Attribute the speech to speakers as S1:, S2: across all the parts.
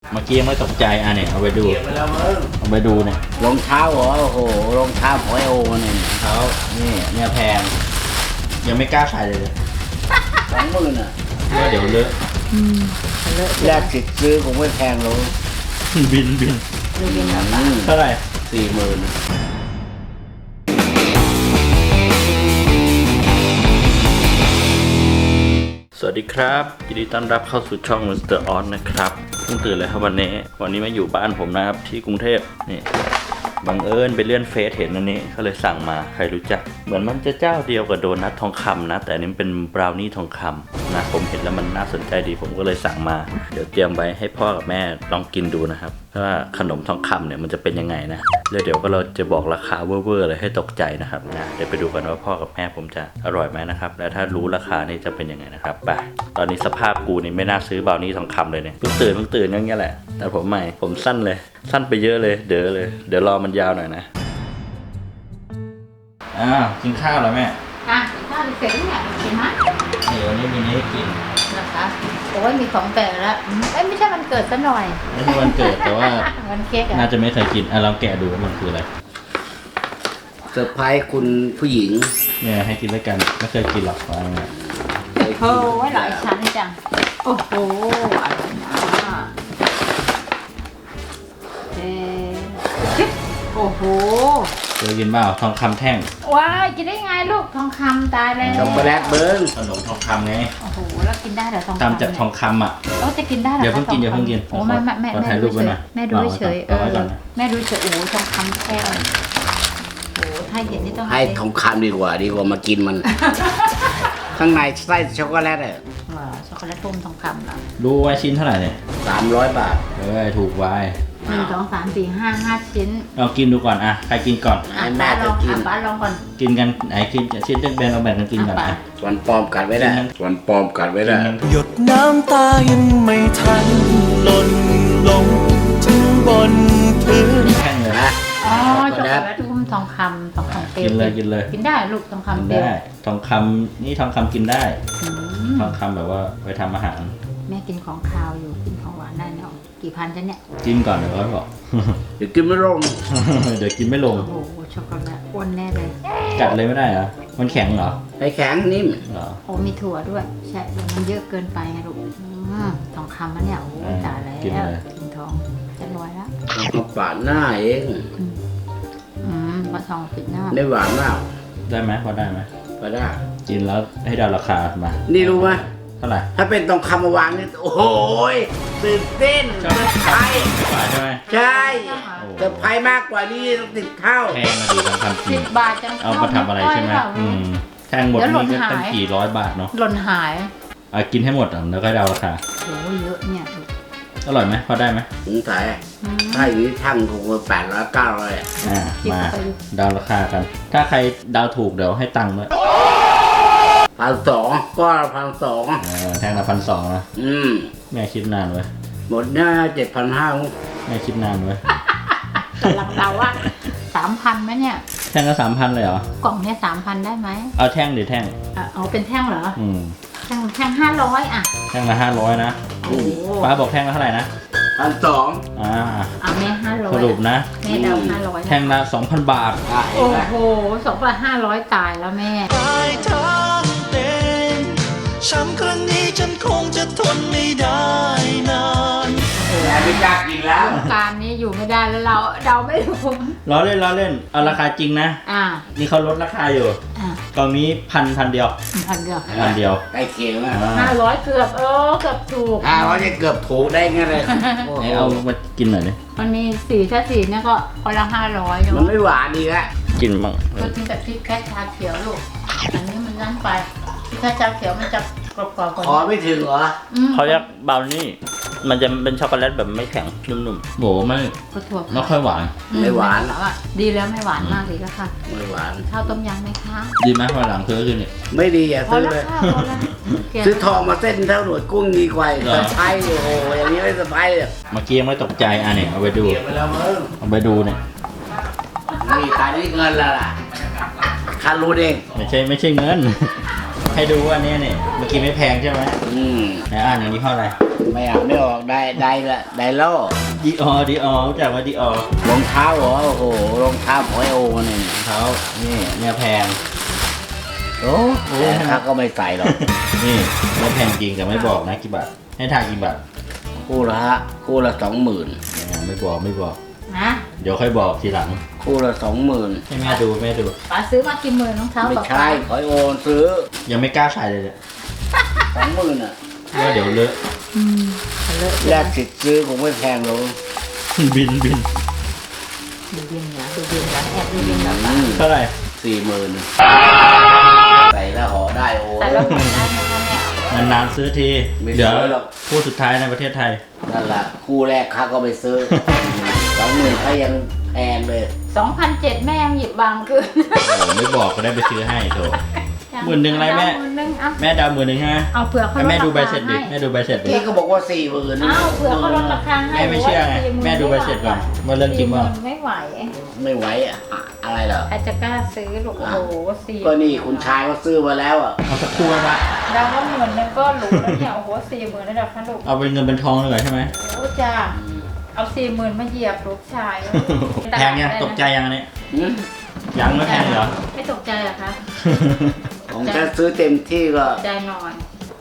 S1: เมื่อกี้ยังไม่ตกใจเนี่ยเอาไปดูเอาไปดูเนี่ย
S2: รองเท้าเหรอโอ้โหรองเท้าของไอโอเนี่ย
S1: เขาเนี่ยแพงยังไม่กล้าใส่เลย
S2: 20,000อ่ะ
S1: ว่าเดี๋ยวเลอะ
S2: แรกสิทธิ์ซื้อคงไม่แพงหรอก
S1: บิน เท่าไหร่
S2: 40,000
S1: สวัสดีครับยินดีต้อนรับเข้าสู่ช่อง Mr. Oz นะครับเพิ่งตื่นเลยครับวันนี้มาอยู่บ้านผมนะครับที่กรุงเทพนี่บังเอิญไปเลื่อนเฟซเห็นอันนี้ก็เลยสั่งมาใครรู้จักเหมือนมันจะเจ้าเดียวกับโดนัททองคำนะแต่อันนี้เป็นบราวนี่ทองคำนะผมเห็นแล้วมันน่าสนใจดีผมก็เลยสั่งมาเดี๋ยวเตรียมไว้ให้พ่อกับแม่ลองกินดูนะครับว่าขนมทองคำเนี่ยมันจะเป็นยังไงนะแล้วเดี๋ยวก็เราจะบอกราคาเวอร์ๆเลยให้ตกใจนะครับนะเดี๋ยวไปดูกันว่าพ่อกับแม่ผมจะอร่อยไหมนะครับและถ้ารู้ราคานี่จะเป็นยังไงนะครับไปตอนนี้สภาพกูนี่ไม่น่าซื้อบราวนี่ทองคำเลยเนี่ยเพิ่งตื่นอย่างเงี้ยแหละแต่ผมใหม่ผมสั้นเลยสั้นไปเยอะเลยเดี๋ยวรอมันยาวหน่อยนะกินข้าวแล้วแม่
S3: กินข้าวเสร็จแล้วเนี่ยกินไหม
S1: วันนี้มีนี้ให้กิน
S3: นะคะโอ้ยมีของแปลกแล้วไม่ใช่วันเกิดซะหน่อย
S1: ไม่ใช่วันเกิดแต่ว่า
S3: วันเค้ก
S1: น่าจะไม่เคยกินลองแกะดูว่ามันคืออะไร
S2: เซอร์ไพรส์คุณผู้หญิง
S1: เนี่ยให้กินด้วยกันไม่เคยกินหรอกอะไรเงี้ย
S3: โอ้ยหลายชั้นจังโอ้โหอะไรนะโอ้โห
S1: เคยกินเปล่าทองคำแท่ง
S3: ว้ายกินได้ไงลูกทองคำตายแล้ว
S2: ช็อกโกแลตเบิ้ง
S1: ขนมทองคำไง
S3: โอ้โหแล้วกินได้เหรอทองคำ
S1: ทำจากทองคำอ่ะ
S3: จะกินได้เหรอ
S1: เดี๋ยวเพิ่งกิน
S3: โอ้แม่
S1: ถ่ายรูปไว้หน่อย
S3: แม่ดูเฉยแม่ดูเฉยโอ้ทองคำแท่งโอ้ถ้าเห็นนี่ต้อง
S2: ให้ทองคำดีกว่ามากินมัน ข้างในไส้ช็อกโกแลต
S3: ช็อกโกแลตต้มทองคำเหรอ
S1: ดูไว้ชิ้นเท่าไหร่เนี่ย
S2: 300 บาท
S1: ถูกไว้
S3: 1 2 3 4 5 5 ชิ้น
S1: เรากินดูก่อนใครกินก่อน
S3: ป้าลองป้าลองก่อน
S1: กินกันไหนกินชิ้นแบ่งเราแบ่งกันกินก่อน
S2: วันปลอมกัดไว้ได้
S4: หยดน้ำตายังไม่ทันหล่นลงถึงบนพื้น
S1: แข็งเลย
S3: ช็อกโกแลตทุ่มทองคำเปรี้ยว
S1: กินเลย
S3: กินได้ลูกทองคำเปรี้ยว
S1: ทองคำนี่ทองคำกินได้ทองคำแบบว่าไว้ทำอาหาร
S3: แม่กินของคาวอยู่กินของหวานได้เนาะกี่พันจะเนี่ย
S1: กินก่อนเดี๋ยวเขาบอก
S2: เดี๋ยวกินไม่ลง
S1: เดี๋ยวกินไม่ลง
S3: โอ้โหช็อกโกแลตอ้วนแน่เลย
S1: กัดเลยไม่ได้เหรอมันแข็งเหรอ
S2: ไม่แข็งนิ่ม
S1: เหรอ
S3: โอ้มีถั่วด้วยใช่มันเยอะเกินไปไงลูกทองคำมันเนี่ยโอ้ตายแล้วกินทองจะรวยแล้ว
S2: มาปาดหน้าเอง
S3: มาทองปิดหน้า
S2: ได้หวานมาก
S1: ได้ไหมพอได้ไหม
S2: พอได้
S1: กินแล้วให้เดาราคามา
S2: นี่รู้ไหม
S1: เท่าไหร่
S2: ถ้าเป็นทองคำมาวางนี่โอ้โหตื่นเต้นเซอร์ไพรส์
S1: ใช่ไหม
S2: ใช่เซอร์ไพรส์มากกว่านี้ต้อง10 เท่า
S1: แพงมาดีทองคำจริง
S3: 10 บาทจัง
S1: เอามาทำอะไรใช่ไหมแพงหมดนี่ก็ตั้งกี่ร้อยบาทเนาะ
S3: หล่นหาย
S1: กินให้หมดแล้วก็เดาราคา
S3: โอ้เยอะเนี่ย
S1: อร่อยไหมพอได้ไหม
S2: สงสัยถ้าอย่างนี้ช่างคงมา800 900
S1: มาเดาราคากันถ้าใครเดาถูกเดี๋ยวให้ตังค์ด้วย
S2: 1,200ก็1,200
S1: แทงละ1,200นะแม่คิดนานเว้ย
S2: หมดหน้า7,500
S1: แม่คิดนานเว้ย
S3: กำลังเดาว่า 3,000ไหมเนี่ย
S1: แท่งละ 3,000เลยเหรอก
S3: ล่องเนี่ย 3,000ได้ไหม
S1: เอาแท่งหรือแท่ง
S3: เอาเป็นแท่งเหรอแท่ง500
S1: แท่งละ500นะป้าบอกแท่งละเท่าไหร่นะ
S2: 1,200
S3: แม่500
S1: สรุปนะ
S3: แม่เดา500
S1: แท่งละ 2,000 บาท
S3: โอ้โห 2,500ตายแล้วแม่
S4: ช้ำครั้งนี้ฉันคงจะทนไม่ได้นาน
S2: ไม่กล้ากินแล้ว
S3: การนี้อยู่ไม่ได้แล้วเราเดาไม่ถูก
S1: ล้อเล่นเอาราคาจริงนะนี่เขาลดราคาอยู่กล่องนี้พันเดียว
S2: ใกล้เคียงมาก
S3: 500เกือบถูก
S2: 500จะเกือบถูกได้ไงเลย
S1: เอามากินหน่อยดิ
S3: มันมี4ถ้า4เนี่ยก็คนละ500
S2: มันไม่หวานดีละ
S1: กินบ้าง
S3: ก็กินแต่พริกแค่ชาเขียวลูกอันนี้มันนั่นไปถ้าชาเขียวมันจะกรอบกว่า
S2: ขอไม่ถึงเหรอ
S1: เขาเรียกบราวนี่มันจะเป็นช็อกโกแลตแบบไม่แข็งนุ่มๆโหไม่ค่อยหวาน
S2: ไม่หวาน
S3: ดีแล้วไม่หวานมากดีแล้วค่ะ
S2: ไม่หวาน
S3: ข้าวต้มยำไหมคะ
S1: ดีไหมพอหลังซื้อเนี่ย
S2: ไม่ดีซื้อเลยซื้อทองมาเส้นเท่าหนวดกุ้งดีกว่าสะพายโอ้โหอย่างนี้ไม่สะพายเลย
S1: เมื่อกี้ยังไม่ตกใจเนี่ยเอาไปดูเอาไปดูเนี่ย
S2: นี่ตายนี่เงินละล่ะค่ารู้เอง
S1: ไม่ใช่เงินให้ดูว่าเนี่ยเมื่อกี้ไม่แพงใช่ไหม
S2: ไหน
S1: อ่านอย่างนี้เท่าไหร่
S2: ไม่อ่านไม่ออกไดโล
S1: ดีอรู้จักว่าดีอ
S2: รองเท้าเหรอโอ้โหรองเท้าของไอโอเนี่ย
S1: เท้านี่เนี่ยแพง
S2: โอ้แต่ข้าก็ไม่ใส่หรอก
S1: นี่เนี่ยแพงจริงแต่ไม่บอกนะกี่บาทให้ทายกี่บาท
S2: คู่ละ20,000
S1: ไม่บอก
S3: นะ
S1: เดี๋ยวค่อยบอกทีหลัง
S2: คู่ละ20,000
S1: ให้แม่ดู
S3: ป้าซื้อมากี่หมื่นรองเท้า
S2: ไม่
S3: ป้า
S2: ใช่ขอไอโอซื้อ
S1: ยังไม่กล้าใส่เลยเนี่ย
S2: 20,000อ่ะ
S1: ว่าเดี๋ยวเลอะ
S3: เลอะ
S2: แลกสิทธิ์ซื้อคงไม่แพงหรอก
S1: บิน
S3: ดูเย็นนะดูเย็นนะแอบดูเย็นแบบป้า
S1: เท่าไหร่
S2: 40,000ใส่แล้วห่อได้โอ้
S3: แต่เราไม่ได้นะคะเนี่ย
S1: นานๆซื้อที
S2: ไม่ซื้อ
S1: เดี๋ยว
S2: หรอก
S1: คู่สุดท้ายในประเทศไทย
S2: นั่นแหละคู่แรกข้าก็ไปซื้อ 20,000เขายังแพงเลย
S3: 2,700แม่ยังหยิบบางคืน
S1: โอ้ไม่บอกก็ได้ไปซื้อให้โถ 10,000อะไรแม่
S3: 10,000เอา
S1: แม่ดาว10,000ใช่ไหม
S3: เอาเผื่อเขา
S1: ให้
S3: ลด
S1: แม่ดูใบ
S3: รา
S1: เสร็
S3: คา
S1: จดิ
S3: ให้
S1: แม่ดูใบเสร็จดิ
S2: นี่ก็บอกว่า40,000
S3: อ้าวเผื่อเขาลดราคาให้
S1: แม่ไม่เชื่อไงแม่ดูใบเสร็จก่อนว่าเรื่องจริงเปล่า
S3: ไม่ไหว
S2: ไม่ไหวอะอะไรเหรอ
S3: ใครจะกล้าซื้อลูกโอ้โห4
S2: ก็นี่คุณชายเขาซื้อมาแล้วอ่ะ
S1: เอาสักครู่ไว้ปะ
S3: ดาวว่า10,000ก็หรูแล้วเนี่ยโอ้โห40,000แล้วเดี๋ยวคะลูก
S1: เอาเป็นเงินเป็นทองเลยเหรอใช่ไหม
S3: โอ้จ้าเอา40,000มาเหยียบลูกชาย
S1: แพงยังตกใจยังอันนี้
S2: หืม
S1: ยังไม่แพงเหรอ
S3: ไม่ตกใจเหรอคะ
S2: ของฉันซื้อเต็มที่ก็
S3: ใจหน่อย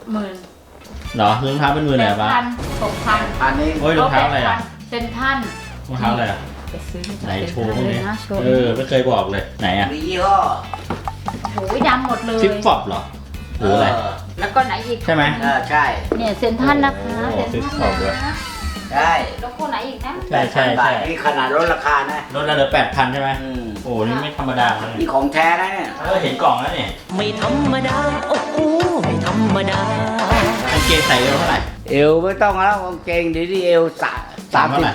S3: 10,000
S1: เหรอรองเท้าเป็นมือไหนปะ
S3: 6,000
S2: อันนี้
S1: โอ้ยรองเท้าอะไรอ่ะ
S3: เซนทัน
S1: รองเท้าอะไรอ่ะ
S3: ไปซื้อ
S1: ไหนโชว์พวก
S3: เล
S1: นี้
S3: ยนะโชว์
S1: ไม่เคยบอกเลยไหนอ่ะ
S2: มียี่ห้อ
S3: โอ้ยดำหมดเลย
S1: ฟิปฟอปเหรอหรืออะไร
S3: แล้วก็ไหนอีก
S1: ใช่ไหม
S2: ใช่
S3: เนี่ยเซนทันนะคะ
S1: โอ้
S3: เซน
S1: ฟิป
S3: ทัน
S1: ฟอปด้วย
S3: นะ
S2: ใช่
S3: แล้วก็ไหนอีกนะ
S1: ใช่ใช่
S2: บา
S1: ใช่
S2: ทนี่ขนาดลดราคานะ
S1: ลดละเหลือ8,000ใช่ไหม
S2: อืม
S1: โอ้นี่ไม่ธรรมดาเลย
S2: นี่ของแท้นะเนี่ย
S1: เห็นกล่องแล้วเนี่ย
S4: ไม่ธรรมดา โอ้โหไม่ธรรมดา
S1: กางเกงใส่เอวเท่าไหร่
S2: เอวไม่ต้องแล้วกางเกงเดี๋ยวนี้เอว
S1: เท่าไหร่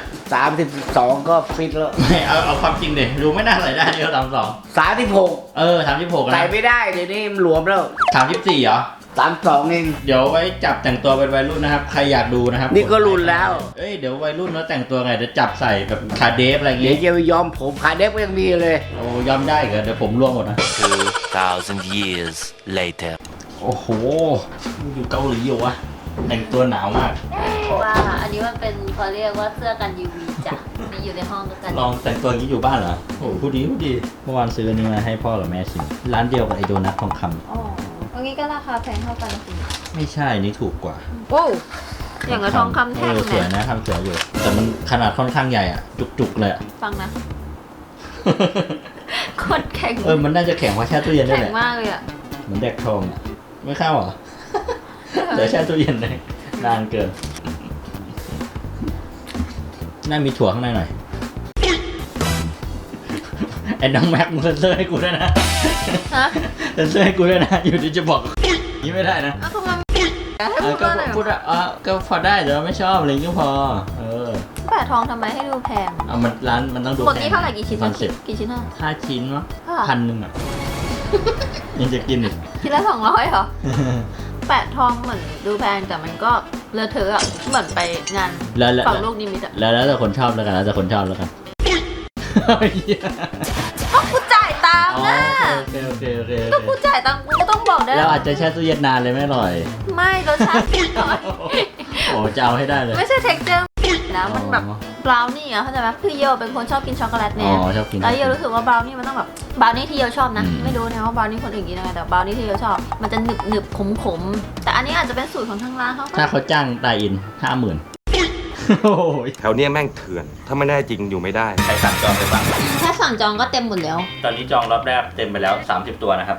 S2: 32ก็ฟิตแล้ว
S1: ไม่เอาความจริงดิดูไม่น่าใส่ได้เอว32
S2: 36
S1: 36
S2: ใส่
S1: นะ
S2: ไม่ได้เดี๋ยวนี้มันหลวมแล้ว
S1: 34เหรอ
S2: 32เอง
S1: เดี๋ยวไว้จับแต่งตัวเป็นวัยรุ่นนะครับ ใครอยากดูนะครับ
S2: นี่ก็รุ่นแล้ว
S1: เอ้ยเดี๋ยววัยรุ่นแล้วแต่งตัวไงเดี๋ยวจับใส่แบบคาเดฟอะไรอย่าง
S2: เดี๋ยว
S1: งี้
S2: จะไปยอมผมขาเด็กก็ยังมีเลย
S1: โอ้ยอมได้เหรอเดี๋ยวผมร่วงหมดนะ
S4: 2,000 years later
S1: โอ้โหอยู่เกาหลีอยู่วะแต่งตัวหนาวมาก
S5: ว่าอันนี้มันเป็นเขาเรียกว่าเสื้อกัน UV จ้ะมีอยู่ในห้องก็กัน
S1: ลองแต่งตัวอย่างนี้อยู่บ้านเหรอโอ้พูดดีเมื่อวานซื้ออันนี้มาให้พ่อกับแม่ชิมร้านเดียวกับไอโดนัททองคำ
S5: อ๋ออันนี้ก็ราคาแพงเท่ากันนะคุณ
S1: ไม่ใช่นี่ถูกกว่า
S5: โอ้อย่างกับทองคำแท่ง
S1: สวย
S5: เนี่ย
S1: นะทำสวยอยู่ แต่มันขนาดค่อนข้างใหญ่อะจุกๆเลยอะ
S5: ฟังนะโคตรแข็ง
S1: มันน่าจะแข็งกว่าแช่ตู้เย็นได้
S5: แข็
S1: แห
S5: ง
S1: ละ
S5: มากเลยอ่ะ
S1: เหมือนแดกทองอะไม่เข้าเหรอ เดี๋ยวแช่ตู้เย็นเลยนานเกิน น่ามีถั่วข้างในหน่อย ไอ้น้องแม็กมึงเซ็นเซอร์ให้กูด้วยนะ
S5: ฮะ
S1: เซ็นเซอร์ให้กูด้วยนะ อยู่ดีจะบอกนี้ไม่ได้นะ
S5: อ้าวทำไมให้พูด
S1: ก็
S5: ว่าอะไร
S1: พูดอ่ะก็พอได้แต่ว่าไม่ชอบอะไรอย่างเงี้ยก็พอ
S5: แปะทองทำไมให้ดูแพง
S1: เอามันร้านมันต้องดู
S5: หมดนี้เท่าไหร่กี่ชิ้น
S1: คอนเซ็ปต์
S5: กี่ชิ้นอ่ะ
S1: 5 ชิ้นเนาะ
S5: ค่ะ
S1: 1,000อ่ะ ยังจะกินอีก
S5: ชิ้นละ200เหรอ แปะทองเหมือนดูแพงแต่มันก็เลอะเทอะอ่ะเหมือนไปงาน
S1: แล้ว
S5: ฝั่งลูกนิมิตอ่ะ
S1: แล้วแต่คนชอบแล้วกันแล้วแต่คนชอบแล้วกัน
S5: ก็กูจ่ายตังค์
S1: อ๋อ
S5: นะ
S1: โอเค
S5: ก็กูจ่ายตังค์กูก็ต้องบอกได้
S1: แล้วอาจจะแช่ตู้เย็นนานเลยไม่อร่อย
S5: ไม่รสชาติไม่อร่อย
S1: โอ้จะเอาให้ได้เลย
S5: ไม่ใช่ texture นะมันแบบบราวนี่อ่ะเข้าใจไหมคือโยเป็นคนชอบกินช็อกโกแลต
S1: อ๋
S5: เนี่ย
S1: อชอบกิน
S5: แล้วโยรู้สึกว่าบราวนี่มันต้องแบบบราวนี่ที่โยชอบนะ
S1: อืม
S5: ไม่รู้นะว่าบราวนี่คนอื่นกินยังไงแต่บราวนี่ที่โยชอบ มันจะหนึบหนึบขมขมๆแต่อันนี้อาจจะเป็นสูตรของทางร้านเขาก็
S1: ถ้าเขาจ้างตายอิน 50,000 โอ้ย
S6: แถวเนี้ยแม่งเถื่อน ถ้าไม่แน่จริงอยู่ไม่ได้
S1: ใครสั่งจองไปบ้าง
S5: แค่สั่งจองก็เต็มหมดแล้ว
S1: ตอนนี้จองรอบแรกเต็มไปแล้ว 30 ตัวนะครับ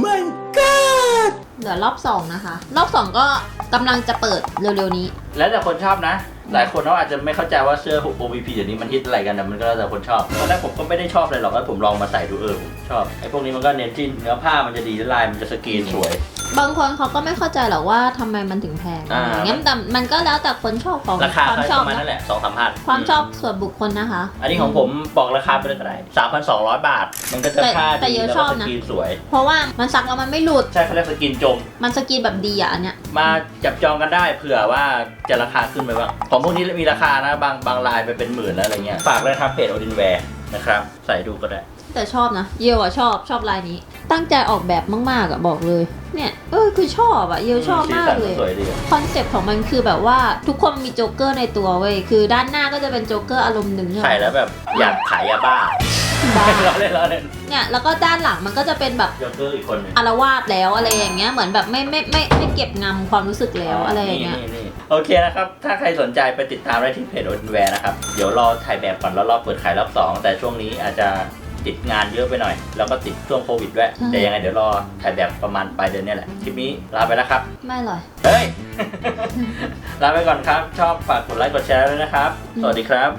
S5: เหลือรอบ2นะคะรอบ2ก็กำลังจะเปิดเร็วๆนี้
S1: แล้วแต่คนชอบนะ หลายคนเขาอาจจะไม่เข้าใจว่าเสื้อ OVP เดี๋ยวนี้มันฮิตอะไรกันแต่มันก็แล้วแต่คนชอบตอนแรกผมก็ไม่ได้ชอบเลยหรอกแล้วผมลองมาใส่ดูผมชอบไอ้พวกนี้มันก็เน้นที่เนื้อผ้ามันจะดีลายมันจะสกรีนสวย
S5: บางคนเขาก็ไม่เข้าใจหรอกว่าทำไมมันถึงแพง
S1: อ่า
S5: อย่างเงี้ยแต่มันก็แล้วแต่คนชอบของ
S1: ราคา
S5: ความ
S1: ก็
S5: ช
S1: ป
S5: อบ
S1: ระมาณ
S5: นะ
S1: นั่นแหละ 2-3 พัน
S5: ความชอบส่วนบุคคลนะคะ
S1: อันนี้ของผมบอกราคาไปเลยก็ได้ 3,200 บาท มันก็จะผ้า
S5: แต่
S1: ดี
S5: เยอะ
S1: แล้ว
S5: ช
S1: ก็
S5: อบ
S1: ส
S5: นะ
S1: กรีนสวย
S5: เพราะว่ามันซักแล้วมันไม่หลุด
S1: ใช่เขาเรียกสกรีนจม
S5: มันสกรีนแบบดีอ่ะอันเนี้ย
S1: มาจับจองกันได้เผื่อว่าจะราคาขึ้นไปบ้างของพวกนี้มีราคานะบางลายไปเป็นหมื่นแล้วอะไรเงี้ยฝากเลยครับเพจโอดินแวร์นะครับใส่ดูก็ได้
S5: แต่ชอบนะเยลอะชอบลายนี้ ตั้งใจออกแบบมากๆอะบอกเลยเนี่ยคือชอบอะเยลชอบมากเลย
S1: สวยดีอะ
S5: คอนเซ็ปต์ของมันคือแบบว่าทุกคนมีโจ๊กเกอร์ในตัวเว้ยคือด้านหน้าก็จะเป็นโจ๊กเกอร์อารมณ์หนึ่งใช่ไหม
S1: ใส่แล้วแบบอยากขายยาบ้า
S5: บ้า
S1: ล้อเล่นล้อเล่น
S5: เนี่ยแล้วก็ด้านหลังมันก็จะเป็นแบบ
S1: โจ๊กเกอร์อีกคนหนึง
S5: อารวาสแล้วอะไรอย่างเงี้ยเหมือนแบบไม่เก็บงำความรู้สึกแล้วอะไรอย่างเงี้ย
S1: นี่โอเคนะครับ ถ้าใครสนใจไปติดตามได้ที่เพจ Odin Wear นะครับ เดี๋ยวรอถ่ายแบบก่อนแล้วรอเปิดขายรอบ 2 แต่ช่วงนี้อาจจะติดงานเยอะไปหน่อย แล้วก็ติดช่วงโควิดด้วย
S5: ใช่
S1: แต่ยังไงเดี๋ยวรอถ่ายแบบประมาณปลายเดือนนี้แหละ คลิปนี้ลาไปแล้วครับ
S5: ไม่อร่อย
S1: เฮ้ย ลาไปก่อนครับ ชอบฝากกดไลค์กดแชร์ด้วยนะครับ สวัสดีครับ